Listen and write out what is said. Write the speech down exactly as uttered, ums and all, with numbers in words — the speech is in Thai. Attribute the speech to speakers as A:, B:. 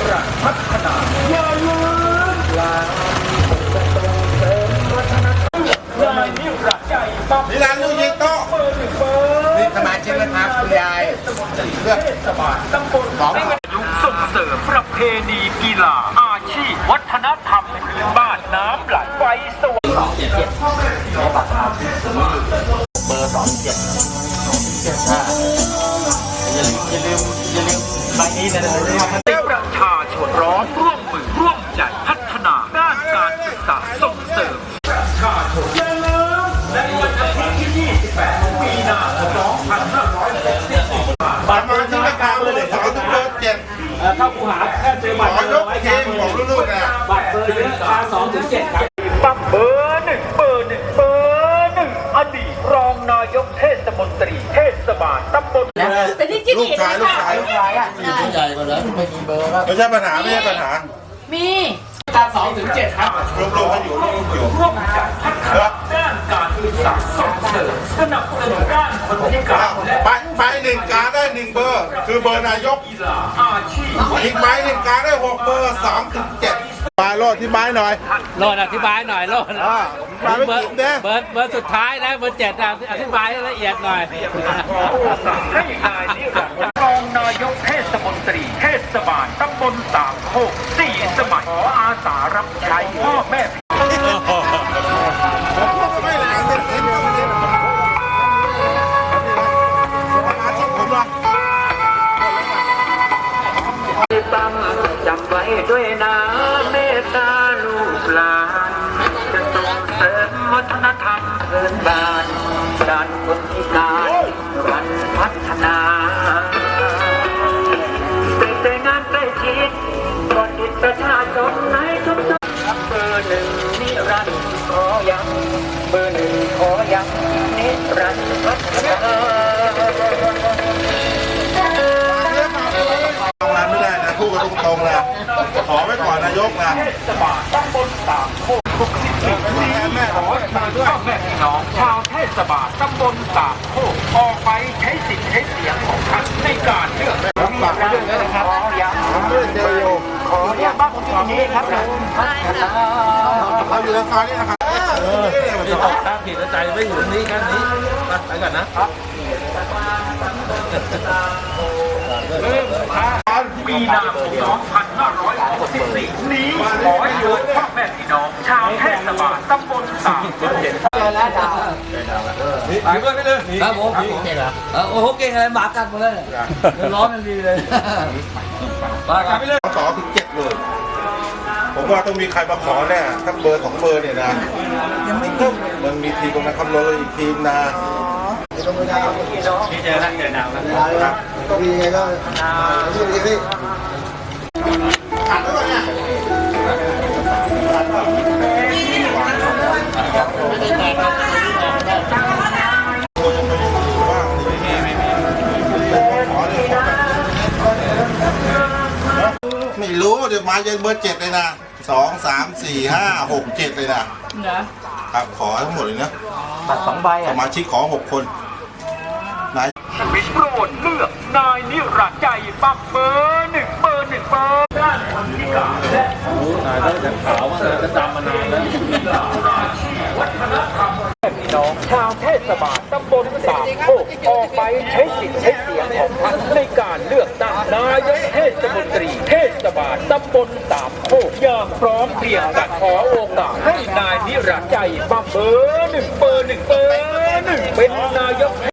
A: รันดร์พัฒนาอย่าลืมลาจะส่งเสริมวัฒนธรรมนายนิรันดร์ใจปั๊บนิรันดร์ลูกยิงโต๊ะนี่สมาชิกนะครับคุณยายเลือกสบายตำบลของยุคส่งเสริมประเพณีกีฬาอาชีพวัฒนธรรมพื้นบ้านน้ำไหลไฟสวยสองเจ็ดเจ็ดในบัตรเบอร์สองเจ็ดเจ็ดห้าอย่าลืมอย่าลืมอย่าลืมใบนี้นะประชาชนร้อนร่วมมือร่วมใจพัฒนาด้านการศึกษาส่งเสริมประชาชนอย่าลืมในวันอาทิตย์ที่ยี่สิบแปดมีนาคมสองพันห้าร้อยหกสิบสี่บัตรมาที่ราคาเลยสองถึงเบอร์เจ็ดเข้าคูหาแค่เจอบัตรเบอร์ไว้ครับของลูกๆนะบัตรเบอร์เยอะราสองถึงเจ็ดครับปั๊บเบอร์หนึ่งเบอร์หนึ่งเบอร์หนึ่งอดีตรองนายกเทศมนตรีเทศบาลตำบล
B: เป็นที่จิ้ม
C: ลูกชายลูกชายลูกชายอ่ะ
D: ผู้ใหญ่กว่านั้นไม่มีเบอร์ครับ
C: ไม่ใช่ปัญหาไม่ใช่ปัญหา
B: มี
A: การสองถึงเจ็ดครับ
C: รวมรวมกันอยู่รวมอยู่
A: ร่วมกันพัฒนาด้านการศึกษาส่งเสริมสนับสนุนด้านคนพิการ
C: ไปไปหนึ่งการได้หนึ่งเบอร์คือเบอร์นายก
A: อาชีพ
C: อีกใบหนึ่งการได้หกเบอร์สองถึงเจ็ดมาโลดที่ใบหน่อย
D: โลดอธิบายหน่อยโลด
C: มาไม่กินเด้
D: เบอร์เบอร์สุดท้ายนะเบอร์เจ็ดอธิบายละเอียดหน่อย
A: ให้นายนิรันดร์รองนายกเทศมนตรีเทศบาลตำบลสามโคกสี่สมัยขออาสารับใช้พ่อแม่
C: ไม่หลังเด็ดเด็ดเด็ดมาที่ผมละ
A: ตั้งจำไว้ด้วยนะเมตตาลูกหลานจะส่งเสริมวัฒนธรรมพื้นบ้านด้านคนพิการรันพัฒนาเป็นใจงานใกล้ชิดบริประชาชนในทุกๆเบอร์หนึ่งนิรันดร์ขอยังเบอร์หนึ่งขอยังนิรันดร์พัฒนา
C: ทำงานไม่ได้นะพูดกันตรงๆนะขอไว้ก่อนนายกนะ
A: เทศบาลตำบลสามโคกทุกสิบสี่ปีแม่ขอมาด้วยแม่พี่น้องชาวเทศบาลตำบลสามโคกออกไปใช้สิทธิ์ใช้เสียงของท่านในการเลือกผมฝากเรื่องนี้นะครับขอย้ำผมด้วยเจโยขอย้ำบ้านผมอยู่นี้ครับนะ
C: เราอยู่ในซอยนี้นะครับ
D: ที่ตกตามผิดใจไม่อยู่นี้กันนี้ไปก่อนนะ
A: มีนาคมสองพันห้าร้อยหกสิบสี่นี้ขอโยนพ่อแม่พี่น้องชาวเทศบาลตำบลสามโคก
D: ไปด้วยไปเลยครับผมเก่งเหรอโอ้โหเก่งอะไรหมากัดหมดเลยร้อนมันดีเลย
C: มาครับไปเลยสองถึงเจ็ดเลยผมว่าต้องมีใครมาขอแน่ทั้งเบอร์สองเบอร์เนี่ยนะยังไม่ต้องมันมีทีมตรงนั้นคำนวณอีกทีมนะ
A: พี่เจอแล้วเจอดาวครับ
C: พี่ไงก็พี่พี่พี่ไม่รู้เดี๋ยวมาเย็นเบอร์เจ็ดเลยนะสองสามสี่ห้าหกเจ็ดเลยนะครับขอทั้งหมดเลยนะ
A: บัตรสองใบอ่ะ
C: สมาชิกขอหกคนนาย
A: วิโรจน์เลือกนายนิรันดร์ใจปั๊บเบอร์หนึ่งเบอร์หนึ่งเบอร์ด้านคนพิการและ
D: นายได้แต่ขาวมาจะจำมานานแล้ว
A: วัฒนธรรมพี่น้องชาวเทศบาลตำบลสามโคกออกไปใช้สิทธิ์ใช้เสียงของท่านในการเลือกตั้งนายกเทศมนตรีเทศบาลตำบลสามโคกอย่างพร้อมเพรียงกันขอโอกาสให้นายนิรันดร์ใจปั๊บเบอร์หนึ่งเบอร์หนึ่งเบอร์หนึ่งเป็นนายก